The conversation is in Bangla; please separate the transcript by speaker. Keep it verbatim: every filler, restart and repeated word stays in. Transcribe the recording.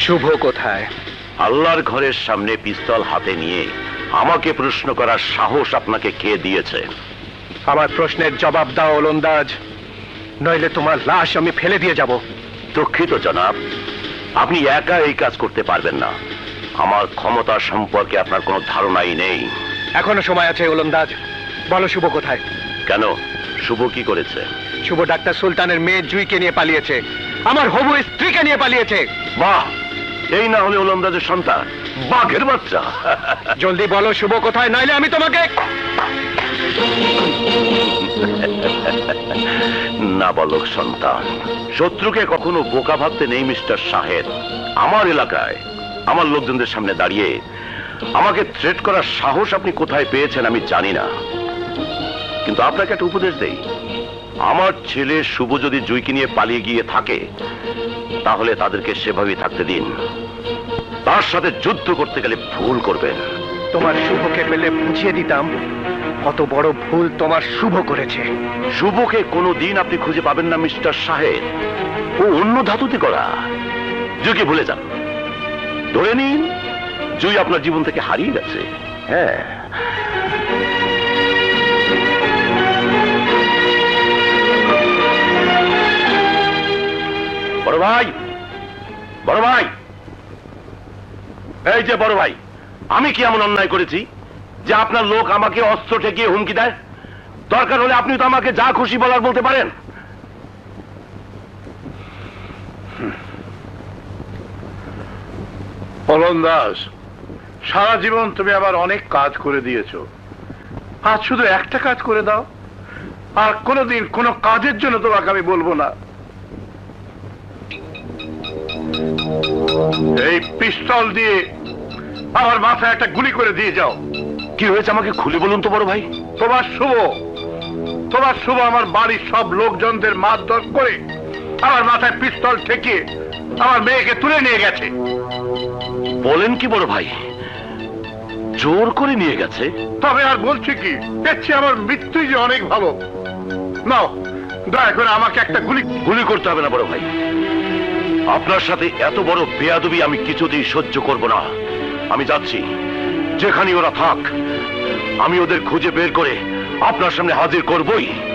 Speaker 1: শুভ কোথায়?
Speaker 2: আল্লাহর ঘরের সামনে পিস্তল হাতে নিয়ে আমাকে প্রশ্ন করার সাহস আপনাকে কে দিয়েছে?
Speaker 1: আমার প্রশ্নের জবাব দাও ওলন্দাজ, নইলে তোমার লাশ আমি ফেলে দিয়ে যাব।
Speaker 2: দুঃখিত জনাব, আপনি একা এই কাজ করতে পারবেন না। আমার ক্ষমতা সম্পর্কে আপনার কোনো ধারণাই নেই।
Speaker 1: এখনো সময় আছে ওলন্দাজ, বলো শুভ কোথায়?
Speaker 2: কেন, শুভ কি করেছে?
Speaker 1: শুভ ডাক্তার সুলতানের মেয়ে জুইকে নিয়ে পালিয়েছে, আমার হবু স্ত্রীকে নিয়ে পালিয়েছে।
Speaker 2: বাহ, এই না হলে ওলন্দাজের সন্তান, বাঘের বাচ্চা।
Speaker 1: জলদি বলো শুভ কোথায়, নাইলে আমি তোমাকে।
Speaker 2: না বলক সন্তান, শত্রুকে কখনো বোকা ভাবতে নেই মিস্টার শাহেদ। আমার এলাকায় আমার লোকজনদের সামনে দাঁড়িয়ে আমাকে থ্রেট করার সাহস আপনি কোথায় পেয়েছেন আমি জানি না, কিন্তু আপনাকে একটা উপদেশ দেই। আমার ছেলে শুভ যদি জুইকে নিয়ে পালিয়ে গিয়ে থাকে, তাহলে তাদেরকে সেভাবেই থাকতে দিন। তার সাথে যুদ্ধ করতে গেলে ভুল করবেন।
Speaker 1: তোমার শুভকে পেলে বুঝিয়ে দিতাম কত বড় ভুল তোমার শুভ করেছে।
Speaker 2: শুভকে কোনো দিন আপনি খুঁজে পাবেন না মিস্টার শাহেদ, ও অন্য ধাতুতে করা। জুইকে ভুলে যান, ধরে নিন জুই আপনার জীবন থেকে হারিয়ে গেছে। হ্যাঁ, বড় ভাই, বড় ভাই, এই যে বড় ভাই, আমি কি এমন অন্যায় করেছি যে আপনার লোক আমাকে অস্ত্র ঠেকিয়ে হুমকি দেয়? দরকার হলে আপনি তো আমাকে যা খুশি বলার বলতে পারেন।
Speaker 3: ওলন্দাজ, সারা জীবন তুমি আবার অনেক কাজ করে দিয়েছো, আজ শুধু একটা কাজ করে দাও, আর কোনোদিন কোনো কাজের জন্য তোমাকে আমি বলবো না। এই পিস্তল দিয়ে আমার মাথায় একটা গুলি করে দিয়ে যাও।
Speaker 2: কি হয়েছে আমাকে খুলে বলুন তো বড় ভাই।
Speaker 3: তোমার শুভ তোমার শুভ আমার বাড়ির সব লোকজনদের মারধর করে আমার মাথায় পিস্তল ঠেকিয়ে আমার মেয়েকে তুলে নিয়ে গেছে।
Speaker 2: বলেন কি বড় ভাই, জোর করে নিয়ে গেছে?
Speaker 3: তবে আর বলছি কি, দেখছি আমার মৃত্যুই যে অনেক ভালো। নাও, দয়া করে আমাকে একটা গুলি।
Speaker 2: গুলি করতে হবে না বড় ভাই, আপনার সাথে এত বড় বেয়াদবি আমি কিছুতেই সহ্য করব না। আমি যাচ্ছি, যেখানে ওরা থাক আমি ওদের খুঁজে বের করে আপনার সামনে হাজির করবই।